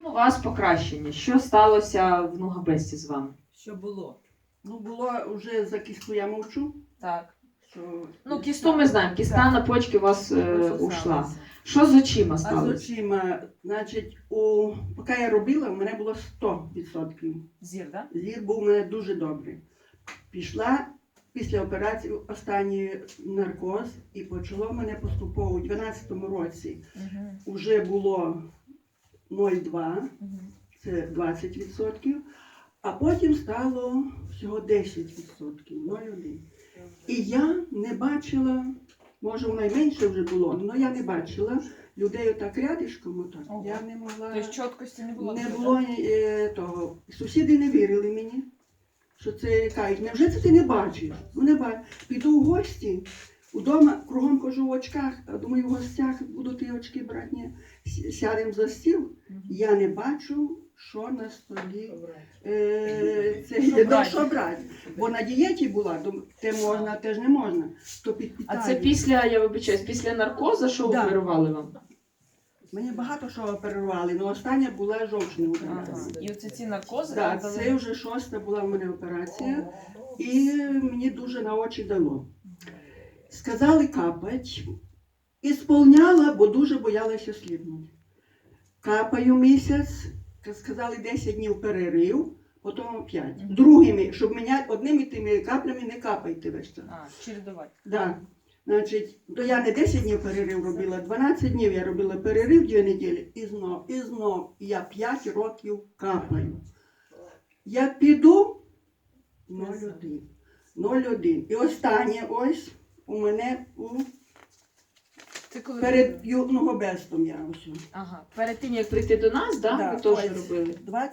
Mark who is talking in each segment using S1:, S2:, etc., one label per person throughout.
S1: У вас покращення. Що сталося в Нугабесті з вами?
S2: Що було?
S3: Ну, було вже за кістку я мовчу.
S2: Так.
S3: Що...
S1: Ну, кісту ми знаємо. Кіста на почки у вас ушла.
S2: Сталося.
S1: Що з очима
S3: А з
S1: сталося?
S3: очима, значить, поки я робила, у мене було 100%.
S2: Зір, так?
S3: Зір був у мене дуже добрий. Пішла після операції останній наркоз і почало в мене поступово у 12-му році.
S2: Угу.
S3: Вже було 0,2,
S2: Угу.
S3: це 20%, а потім стало всього 10%, 0,1. І я не бачила, може воно й менше вже було, але я не бачила людей отак рядишком, отак.
S2: Ого.
S3: Я не могла,
S2: Тобто чіткості не було?
S3: не
S2: так?
S3: було того. Сусіди не вірили мені, що це кажуть, невже це ти не бачиш? Ну не бачу. Піду в гості, удома кругом хожу в очках, а думаю, в гостях буду ті очки брати, ні. Сядемо за стіл,
S2: Мгм.
S3: я не бачу, що на столі. Це
S2: Що
S3: є
S2: брати?
S3: що брати. Бо на дієті була, то те можна, те ж не можна. То
S1: А
S3: підпитаю.
S1: це після, я вибачаюсь, після наркоза, що
S3: Да.
S1: оперували вам?
S3: Мені багато що оперували, але остання була жовчна
S2: Ага.
S3: операція.
S2: І оце ці наркози
S3: Так,
S2: дали?
S3: це вже 6-та була в мене операція, і мені дуже на очі дало. Сказали капать, і сповняла, бо дуже боялася сліпнути. Капаю місяць, сказали 10 днів перерив, потім 5.
S2: Мгм.
S3: Другими, щоб міняти одними тими каплями не капайте весь час.
S2: А, чередувати.
S3: Да. Значить, то я не 10 днів перерив робила, 12 днів я робила перерив 2 неділі, і знов. І я 5 років капаю. Я піду 0,1. 0,1. І останнє ось у мене
S2: Це коли?
S3: перед Нугабестом я ось.
S1: Ага. Перед тим, як прийти до нас, да?
S3: Да,
S1: ви теж
S3: ось.
S1: робили?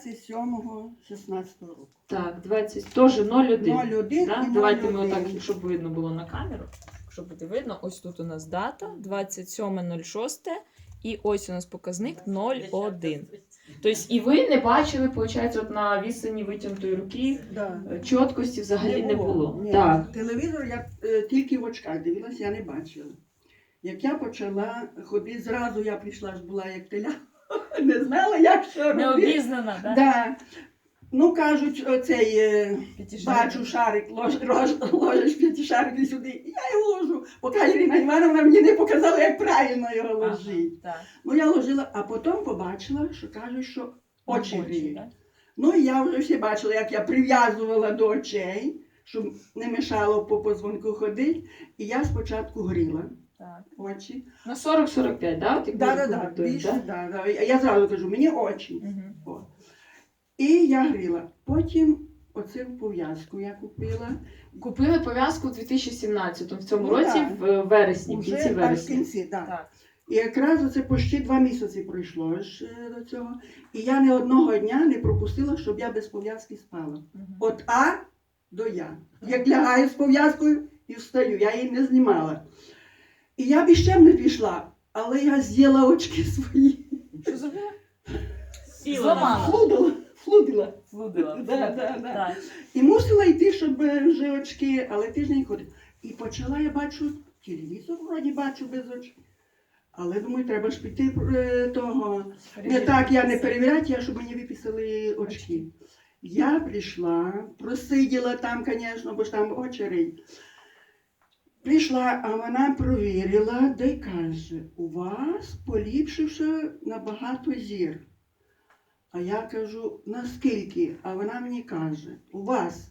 S3: 27-16 року.
S1: Так, 20, теж 0,1.
S3: 0,1
S1: Да?
S3: і
S1: Давайте ми
S3: 0,1.
S1: отак, щоб видно було на камеру.
S2: Щоб буде видно, ось тут у нас дата 27.06 і ось у нас показник 0,1.
S1: Тобто і ви не бачили, виходить, от на відстані витягнутої руки
S3: Да.
S1: чіткості взагалі не було.
S3: Ні.
S1: Так.
S3: Телевізор я тільки в очках дивилася, я не бачила. Як я почала ходити, зразу я прийшла, ж була як теля, не знала, як що робити.
S2: Необізнана, так?
S3: Да. Ну, кажуть, оцей,
S2: П'ятишарик.
S3: бачу шарик, ложиш п'ятишарик сюди, і я його ложу, поки Ірина Івановна мені не показала, як правильно його ложити.
S2: Так.
S3: Ну, я ложила, а потім побачила, що кажуть, що очі гріють.
S2: так?
S3: Ну, і я вже всі бачила, як я прив'язувала до очей, щоб не мешало по позвонку ходити. І я спочатку гріла
S2: Так.
S3: очі.
S1: На 40-45, да? От як ми
S3: Так,
S1: рекомендуємо,
S3: більше,
S1: да?
S3: да. Я зразу кажу, мені очі.
S2: Угу.
S3: О. І я гріла. Потім оцю пов'язку я купила.
S1: Купили пов'язку у 2017-му, в цьому
S3: Ну,
S1: році,
S3: так.
S1: в вересні, в
S3: Уже
S1: кінці
S3: аж в
S1: вересня.
S3: кінці, так.
S2: Так.
S3: І якраз оце почти 2 місяці пройшло ж до цього. І я ні одного дня не пропустила, щоб я без пов'язки спала.
S2: Угу.
S3: От А до Я. Як лягаю з пов'язкою і встаю, я її не знімала. І я б іще не пішла, але я з'їла очки свої.
S2: Що зробила?
S1: Зламала.
S3: Флудила.
S2: Флудила.
S3: Да.
S2: Так.
S3: І мусила йти, щоб вже очки, але тиждень ходить. І почала я бачу, телевізор вроді бачу без очей. Але думаю, треба ж піти того. Не так я не перевіряти, я, щоб мені виписали очки. Я прийшла, просиділа там, звісно, бо ж там очередь. Прийшла, а вона провірила, де й каже, у вас поліпшився набагато зір. А я кажу, наскільки? А вона мені каже, у вас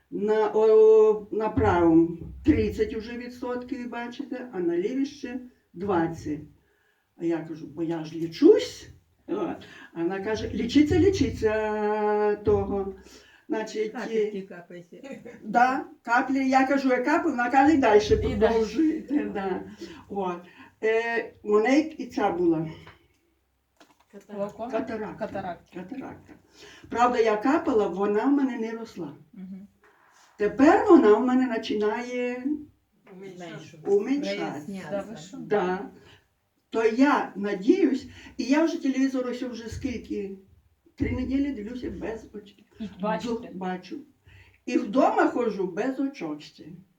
S3: на правому 30 вже відсотків, бачите, а на лівій ще 20. А я кажу, бо я ж лічусь. А вона каже, лічиться того. Значить,
S4: Капельки капайте.
S3: да, каплі, я кажу, я каплю, вона каже, і далі продовжуйте. Да. От. У неї і ця була
S2: Глаукома?
S3: катаракта.
S2: Катаракта.
S3: Катаракта. Правда, я капала, вона в мене не росла.
S2: Угу.
S3: Тепер вона в мене починає
S4: Менше.
S3: уменьшатися.
S2: Да, ви що?
S3: Да. То я надіюсь, і я вже телевізор ось вже скільки, 3 неділі дивлюся без очей.
S2: І бачите?
S3: Бачу. І вдома ходжу без очок ще.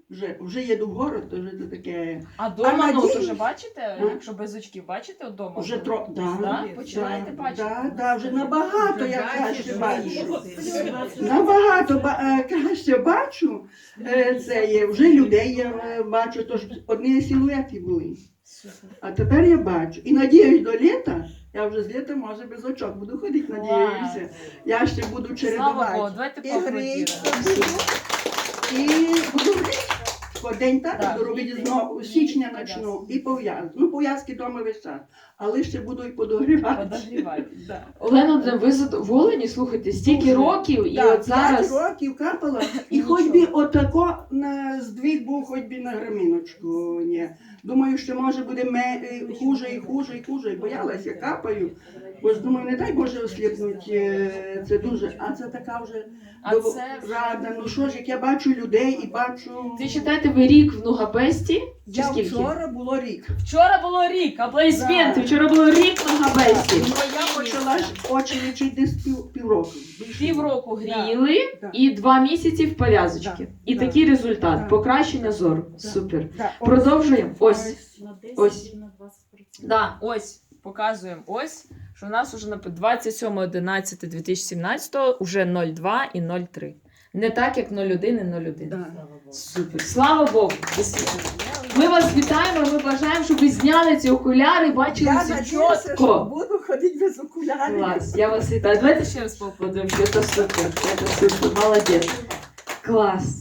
S3: Вже їду в город, то вже це таке.
S2: А дома,
S3: А
S2: ну,
S3: надіюсь-
S2: то вже бачите,
S3: А?
S2: якщо без очків, бачите вдома?
S3: Вже да,
S2: Да? Починаєте бачити?
S3: Да, вже набагато я
S4: Бачиш,
S3: краще
S4: бачиш.
S3: бачу. Набагато краще бачу. Це є, вже людей я бачу, тож одні силуети були. А тепер я бачу. І надіюсь до літа, я вже з літа, може, без очок буду ходити, надіюся. Я ще буду
S2: Слава Богу,
S3: чередувати.
S2: давайте
S3: І
S2: поаплодуємо.
S3: І буду грити. По день так
S2: Так,
S3: буду робити
S2: гріти.
S3: знову, з січня
S2: І
S3: почну. І пов'язки. Ну, пов'язки вдома весь час. Але ще буду і подогрівати.
S2: Подогрівати.
S3: Да.
S1: Олена Володимирівна, ви задоволені? Слухайте, стільки
S3: Дуже.
S1: років, і
S3: Так,
S1: от зараз
S3: 5 років капала, і
S2: І
S3: хоч
S2: нічого.
S3: би отако на здвиг був, хоч би на граміночку. Ні. Думаю, що може буде хуже і хуже і хуже. І боялася, капаю. Бо ж думаю, не дай Боже осліпнуть, це дуже. А це така вже
S2: А це
S3: рада. Ну що ж, як я бачу людей і бачу.
S1: ти вважаєте, ви рік в Нугабесті? Чи
S3: Я
S1: скільки?
S3: вчора було рік.
S2: вчора було рік,
S1: Аплодисменти,
S3: Да.
S1: вчора було рік в Нугабесті.
S3: Ну, я почала ж очі лічити десь півроку. більше.
S2: Півроку гріли.
S1: Гріли
S3: Да.
S1: і 2 місяці в пов'язочки.
S3: Да.
S1: І
S3: Да.
S1: такий результат.
S3: Да.
S1: Покращення зору.
S3: Да.
S1: Супер.
S3: Да, ось.
S1: Продовжуємо. Ось. Ось.
S2: Да, ось, показуємо ось, що у нас уже на 27.11.2017 уже 0,2 і 0,3. Не так, як 0,1 і 0,1.
S3: Да.
S1: Супер. Слава Богу. Ми вас вітаємо, ми бажаємо, щоб ви зняли ці окуляри, бачили
S3: Я
S1: все
S3: надіюся, що
S1: чітко.
S3: буду ходити без окулярів.
S1: Клас, я вас вітаю. Давайте ще раз поаплодуємо, що це супер. Це супер. Молодець. Клас.